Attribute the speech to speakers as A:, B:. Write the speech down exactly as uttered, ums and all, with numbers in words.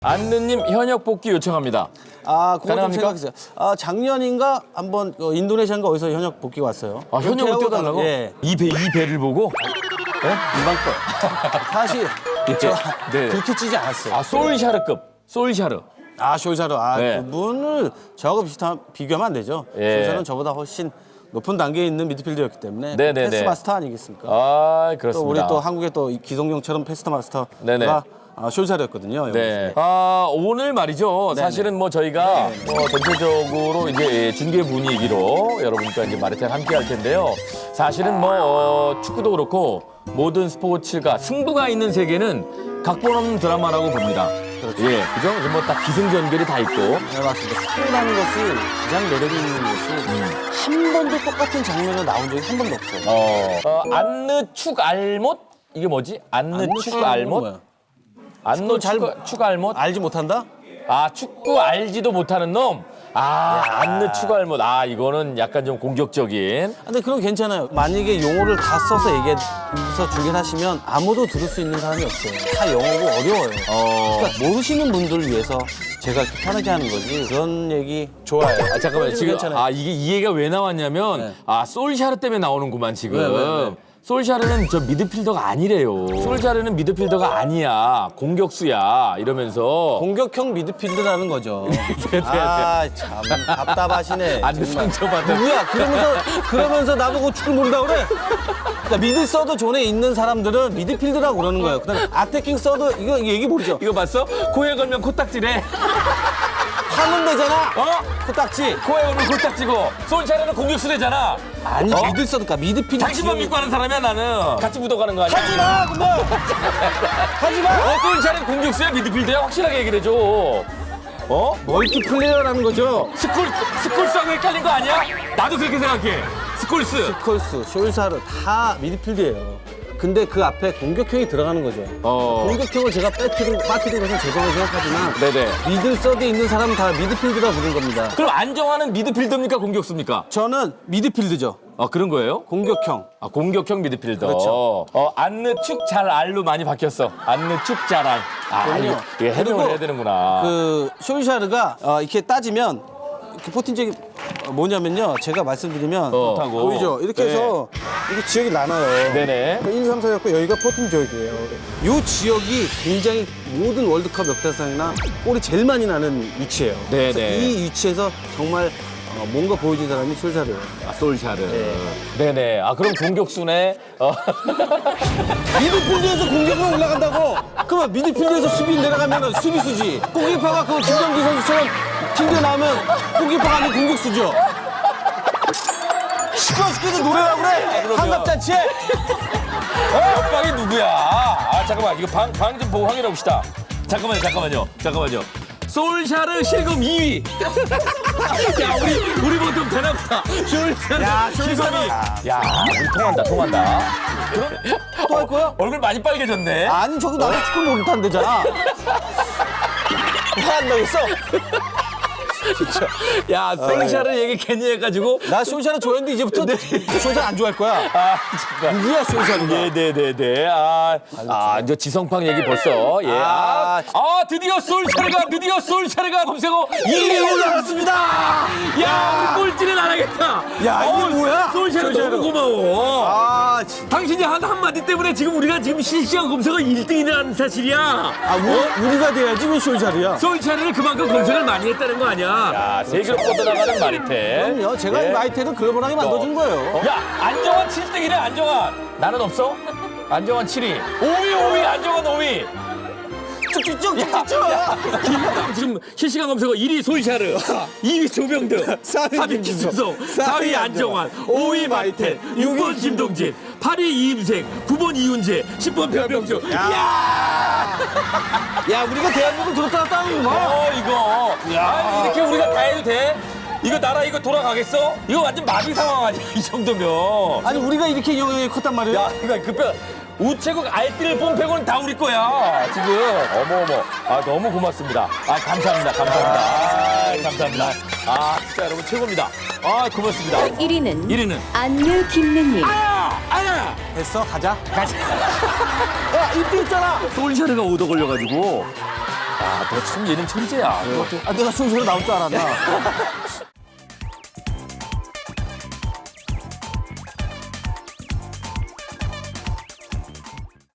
A: 안느님 현역 복귀 요청합니다.
B: 아, 그거 좀
A: 가능합니까?
B: 생각했어요. 아, 작년인가 한번 어, 인도네시아인가 어디서 현역 복귀 왔어요.
A: 아, 현역을
B: 은퇴하고
A: 뛰어달라고?
B: 나- 예,
A: 이 배, 이 배를 보고?
B: 일반 거. 사실 저
A: 네.
B: 그렇게 찌지 않았어요.
A: 아, 솔샤르급. 솔샤르.
B: 아, 쇼샤르. 아,
A: 네.
B: 그분을 저하고 비슷한 비교하면 안 되죠.
A: 예.
B: 쇼샤르는 저보다 훨씬 높은 단계에 있는 미드필더였기 때문에
A: 네, 네,
B: 패스
A: 네.
B: 마스터 아니겠습니까?
A: 아,
B: 또
A: 그렇습니다.
B: 우리 또 한국의 또 기성용처럼 패스 마스터가
A: 네네.
B: 아, 쇼샤르였거든요.
A: 네. 아, 오늘 말이죠.
B: 네네.
A: 사실은 뭐 저희가 뭐 전체적으로 이제 중계 분위기로 여러분과 이제 마르텔 함께 할 텐데요. 사실은 뭐 어, 축구도 그렇고 모든 스포츠가 승부가 있는 세계는 각본 없는 드라마라고 봅니다.
B: 그렇죠.
A: 예, 그죠? 뭐 딱 기승전결이 다 있고.
B: 네, 맞습니다. 스포라는 것이 가장 매력 있는 것이 한 번도 똑같은 장면에 나온 적이 한 번도 없어요.
A: 어, 어 안느 축 알못? 이게 뭐지? 안느 축 알못? 안느
B: 잘
A: 축, 축 알못?
B: 알지 못한다?
A: 아, 축구 알지도 못하는 놈? 아, 안느 축 알못. 아, 이거는 약간 좀 공격적인.
B: 근데 그건 괜찮아요. 만약에 용어를 다 써서 얘기해서 중계하시면 아무도 들을 수 있는 사람이 없어요. 다 영어고 어려워요.
A: 어.
B: 그러니까 모르시는 분들 위해서 제가 이렇게 편하게 하는 거지. 그런 얘기 좋아요.
A: 아, 잠깐만요. 지금,
B: 괜찮아요.
A: 아, 이게 이 얘기가 왜 나왔냐면,
B: 네.
A: 아, 솔샤르 때문에 나오는구만, 지금.
B: 네, 네, 네.
A: 솔샤르는 저 미드필더가 아니래요. 솔샤르는 미드필더가 아니야. 공격수야. 이러면서.
B: 공격형 미드필드라는 거죠.
A: 네,
B: 아, 참 답답하시네.
A: 안느
B: 정말.
A: 상처받은.
B: 누구야? 그러면서 그러면서 나보고 축구 모른다 그래? 그러니까 미드 서드 존에 있는 사람들은 미드필드라고 그러는 거예요. 그다음에 아태킹 서드 이거 이거 얘기 모르죠?
A: 이거 봤어? 코에 걸면 코딱지래.
B: 하면 되잖아.
A: 어?
B: 코딱지.
A: 코에 걸면 코딱지고. 솔샤르는 공격수 되잖아.
B: 아니
A: 어?
B: 미드 서드가 미드필드.
A: 당신만 믿고 하는 사람이야, 나는. 같이 묻어가는 거 아니야?
B: 하지 마, 근데 하지 마.
A: 어, 솔샤르는 공격수야, 미드필더야? 확실하게 얘기를 해줘. 어?
B: 멀티 플레이어라는 거죠.
A: 스콜, 스콜스하고 헷갈린 거 아니야? 나도 그렇게 생각해. 스콜스.
B: 콜스, 숄사르 다 미드필드예요. 근데 그 앞에 공격형이 들어가는 거죠.
A: 어.
B: 공격형을 제가 빠뜨린, 빠뜨린 것은 죄송하게 생각하지만
A: 네네.
B: 미들 서드에 있는 사람은 다 미드필드라 부른 겁니다.
A: 그럼 안정환은 미드필더입니까, 공격수입니까?
B: 저는 미드필드죠.
A: 아, 그런 거예요?
B: 공격형.
A: 아, 공격형 미드필더.
B: 그렇죠.
A: 어, 안느 축 잘 알로 많이 바뀌었어. 안느 축 잘 알. 아,
B: 그럼요.
A: 이거, 이거 해명을
B: 그리고
A: 해야 되는구나.
B: 그 숄샤르가 어, 이렇게 따지면 그 포틴적이 뭐냐면요. 제가 말씀드리면
A: 어. 좋다고.
B: 보이죠? 이렇게
A: 네.
B: 해서 이게 지역이 나눠요.
A: 네네.
B: 일, 삼, 사였고 여기가 포틴 지역이에요. 이 지역이 굉장히 모든 월드컵 역대상이나 골이 제일 많이 나는 위치예요.
A: 네네.
B: 그래서 이 위치에서 정말 어, 뭔가 보여준 사람이 숄샤르예요.
A: 아, 솔샤르. 네네. 아, 그럼 공격수네. 어.
B: 미드필드에서 공격으로 올라간다고? 그러면 미드필드에서 수비 내려가면 수비수지. 골키퍼가 그 김정기 선수처럼 튕겨나오면 골키퍼가 아닌 공격수죠. 시끄러 죽겠는 노래라고 그래.
A: 그러면.
B: 한갑잔치에.
A: 옆방이 누구야? 아, 잠깐만. 이거 방, 방 좀 보고 확인해 봅시다. 잠깐만요, 잠깐만요. 잠깐만요. 솔샤르 실검 이 위. 야, 우리, 우리 보통 대낮다. 솔샤르.
B: 야,
A: 실검
B: 솔샤르.
A: 이 위. 야, 우리 통한다, 통한다. 그럼
B: 또 할 거야?
A: 얼굴 많이 빨개졌네.
B: 아니 저기 나는 축구 못한대잖아. 한다고 했어?
A: 야, 솔샤르 얘기 괜히 해가지고.
B: 나 쇼샤르 좋아했는데 이제부터 쇼샤르 안 좋아할 거야.
A: 아, 진짜.
B: 누구야 쇼샤르가?
A: 네네네네. 아, 아, 이제 지성팡 얘기 벌써. 예. 아,
B: 아,
A: 아 드디어 솔샤르가, 드디어 솔샤르가 검색어 일 위에 올라갔습니다. 야, 우리 꼴찌는 안 하겠다.
B: 야, 이게 뭐야?
A: 솔샤르
B: 솔샤르.
A: 너무 고마워.
B: 아, 진짜.
A: 당신이 한 한마디 때문에 지금 우리가 지금 실시간 검색어 일 등이라는 사실이야.
B: 아, 우리, 우리가 돼야지 왜 쇼샤르야?
A: 솔샤르를 그만큼 검색을 많이 했다는 거 아니야? 야, 세계로 뻗어나가는 마리테.
B: 그럼요. 제가
A: 예.
B: 이 마이테를 글로벌하게 만들어준 거예요.
A: 야, 안정환 칠 등이래, 안정환. 나는 없어? 안정환 칠 위. 오 위, 오 위, 안정환 오 위.
B: 쭉쭉쭉쭉쭉.
A: 지금 실시간 검색어 일 위 솔샤르, 이 위 조병득,
B: 사 위
A: 삼 위
B: 김준성,
A: 김준성, 사 위 안정환, 오 위 마이텐, 육 번 김동진, 팔 위 이임생, 구 번 이훈재, 십 번 변병주. 야!
B: 야, 우리가 대한민국 들었다 놨다 하는 거.
A: 어, 이거. 야, 이렇게 우리가 다 해도 돼? 이거 나라 이거 돌아가겠어? 이거 완전 마비 상황 아니야, 이 정도면.
B: 아니, 우리가 이렇게 영향이 컸단 말이에요.
A: 야, 이거 급변. 우체국 알뜰 뽐패고는 다 우리 거야, 지금. 어머, 어머. 아, 너무 고맙습니다. 아, 감사합니다. 감사합니다. 아, 감사합니다. 아, 진짜 여러분 최고입니다. 아, 고맙습니다.
C: 일 위는
A: 일 위는
C: 안느 김느님.
A: 아, 아야!
B: 됐어, 가자.
A: 가자.
B: 야, 이때 있잖아.
A: 솔샤르가 오더 걸려가지고. 야, 너 참 얘는 천재야.
B: 아, 내가 순서로 나올 줄 알았나?